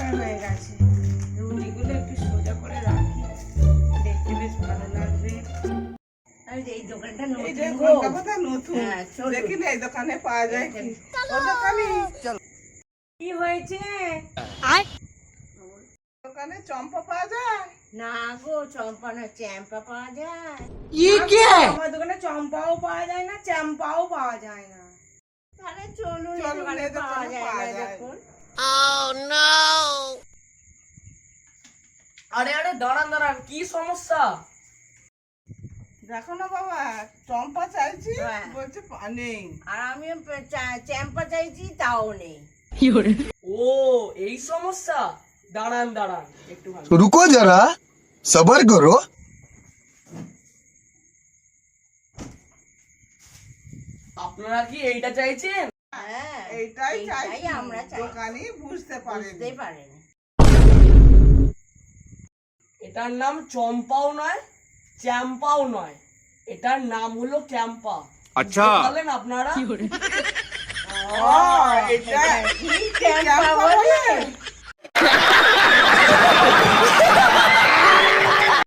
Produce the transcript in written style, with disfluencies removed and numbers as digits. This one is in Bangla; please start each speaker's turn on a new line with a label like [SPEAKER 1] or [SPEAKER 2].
[SPEAKER 1] পরিষ্কার হয়ে গেছে। রুটিগুলো একটু সোজা করে রাখি, দেখতে বেশ ভালো লাগবে। এই দোকানটা নতুন,
[SPEAKER 2] এই যে ঘন্টা কথা নতুন।
[SPEAKER 1] হ্যাঁ, চলো।
[SPEAKER 2] দেখি না এই দোকানে পাওয়া যায় কি। ও দোকানে চল।
[SPEAKER 1] কি হয়েছে?
[SPEAKER 2] দোকানে চম্পা পাওয়া যায়?
[SPEAKER 1] না গো, চম্পা না, চ্যাম্পা পাওয়া যায়। আমার দোকানে চম্পাও পাওয়া যায় না, চ্যাম্পাও পাওয়া যায় না। তাহলে চলুন, এই
[SPEAKER 2] চলুন,
[SPEAKER 1] দোকানে
[SPEAKER 2] এই দোকানে
[SPEAKER 1] পাওয়া যায়
[SPEAKER 2] পাওয়া
[SPEAKER 1] না
[SPEAKER 2] যায়।
[SPEAKER 1] দেখুন।
[SPEAKER 3] আরে আরে দাঁড়ান দাঁড়ান, কি সমস্যা?
[SPEAKER 2] দেখো না বাবা, চম্পা চাইছি,
[SPEAKER 1] হ্যাঁ।
[SPEAKER 2] বলছে নেই।
[SPEAKER 1] আর আমি চ্যাম্পা চাইছি, তাও নেই।
[SPEAKER 3] ও এই সমস্যা, দাঁড়ান দাঁড়ান একটু ভালো।
[SPEAKER 4] रुको जरा सबर करो।
[SPEAKER 3] আপনারা কি এইটা চাইছেন?
[SPEAKER 1] হ্যাঁ,
[SPEAKER 2] এইটাই চাইছি,
[SPEAKER 1] আমরা চাই।
[SPEAKER 2] দোকানি বুঝতে
[SPEAKER 1] বুঝতেই
[SPEAKER 2] পারেনি।
[SPEAKER 1] পারেনি।
[SPEAKER 3] এটার নাম চম্পাও নয়, চ্যাম্পাও নয়, এটার নাম হলো ক্যাম্পা।
[SPEAKER 4] আচ্ছা।
[SPEAKER 3] বুঝতে পারলেন আপনারা?
[SPEAKER 2] এটা
[SPEAKER 1] কি চ্যাম্পা বলে?